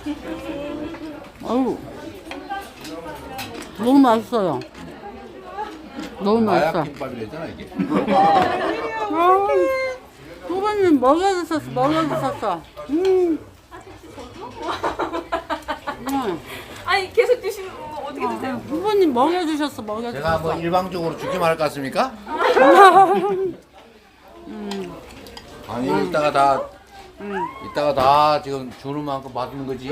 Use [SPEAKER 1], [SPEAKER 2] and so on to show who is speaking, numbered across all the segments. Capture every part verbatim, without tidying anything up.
[SPEAKER 1] 아유, 너무 맛있어요. 너무 맛있어.
[SPEAKER 2] 마약 김밥이랬잖아 이게.
[SPEAKER 1] 아, 후보님 먹여주셨어, 먹여주셨어. 음. 음.
[SPEAKER 3] 아니 계속 드시는 거 어떻게 드세요?
[SPEAKER 1] 후보님 먹여주셨어,
[SPEAKER 2] 제가 뭐
[SPEAKER 1] 먹여주셨어.
[SPEAKER 2] 일방적으로 주기만 할 것 같습니까?
[SPEAKER 1] 음.
[SPEAKER 2] 아니 이따가 다
[SPEAKER 1] 음.
[SPEAKER 2] 이따가 다 지금 주는 만큼 받는 거지.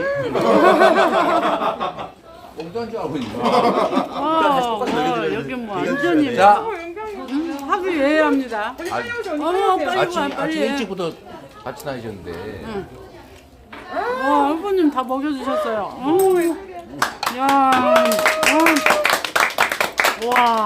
[SPEAKER 2] 엉뚱한 줄 알고 있는
[SPEAKER 1] 아, 어, 여기 뭐 완전히
[SPEAKER 2] 자,
[SPEAKER 1] 음, 합의 예합니다.
[SPEAKER 2] 아,
[SPEAKER 1] 어머, 빨리
[SPEAKER 2] 아침
[SPEAKER 1] 와,
[SPEAKER 2] 아침
[SPEAKER 1] 빨리 해.
[SPEAKER 2] 일찍부터 같이 다니셨는데.
[SPEAKER 1] 응. 와, 후보님 다 먹여주셨어요. 음. 야, 음. 와,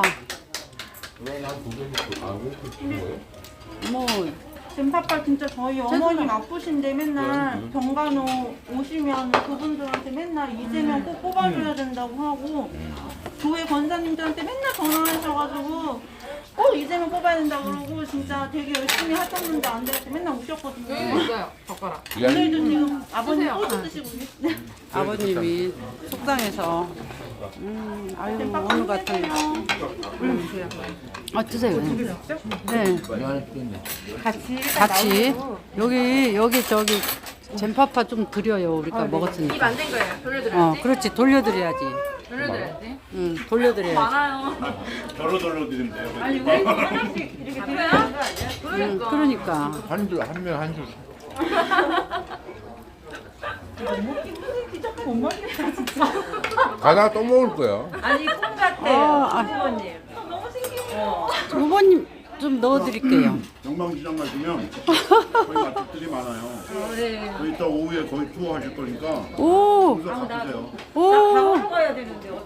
[SPEAKER 1] 뭐.
[SPEAKER 4] 젠파파 진짜 저희 어머님 아프신데 맨날 병간호 오시면 그분들한테 맨날 이재명 꼭 뽑아줘야 된다고 하고 교회 권사님들한테 맨날 전화하셔가지고 꼭 이재명 뽑아야 된다고 그러고 진짜 되게 열심히 하셨는데 안 되고 맨날 우셨거든요.
[SPEAKER 3] 여기 있어요 젓가락.
[SPEAKER 4] 오늘도 지금 아버님 호주 드시고 계세요.
[SPEAKER 1] 아버님이 속상해서 음, 아유 오늘 같은 음. 아 드세요. 네,
[SPEAKER 4] 같이
[SPEAKER 1] 같이 여기 여기 저기 젠파파 좀 드려요. 우리가 먹었으니까.
[SPEAKER 3] 입 안 된 거예요.
[SPEAKER 1] 어,
[SPEAKER 3] 돌려드려야지.
[SPEAKER 1] 그렇지 돌려드려야지.
[SPEAKER 3] 돌려드려야지.
[SPEAKER 1] 응, 돌려드려야지.
[SPEAKER 3] 많아요.
[SPEAKER 5] 저로 돌려드리면 돼요.
[SPEAKER 4] 아니 우리 하나씩 이렇게 드려야 되는 거 아니야?
[SPEAKER 1] 응,
[SPEAKER 3] 그러니까.
[SPEAKER 1] 그러니까.
[SPEAKER 2] 한줄한명한 줄.
[SPEAKER 4] 못 먹겠다 진짜.
[SPEAKER 2] 가다가 또 먹을 거야.
[SPEAKER 4] 아니 꿈 같아요.
[SPEAKER 1] 아, 아,
[SPEAKER 4] 부모님. 너무 신기해요.
[SPEAKER 1] 후보님 좀 넣어드릴게요.
[SPEAKER 5] 영광시장 가시면 거기 맛집들이 많아요.
[SPEAKER 4] 네.
[SPEAKER 5] 거기 이따 오후에 거기 투어하실 거니까
[SPEAKER 1] 오,
[SPEAKER 5] 거기서 가보세요.
[SPEAKER 1] 오,
[SPEAKER 4] 가보러 가야 되는데.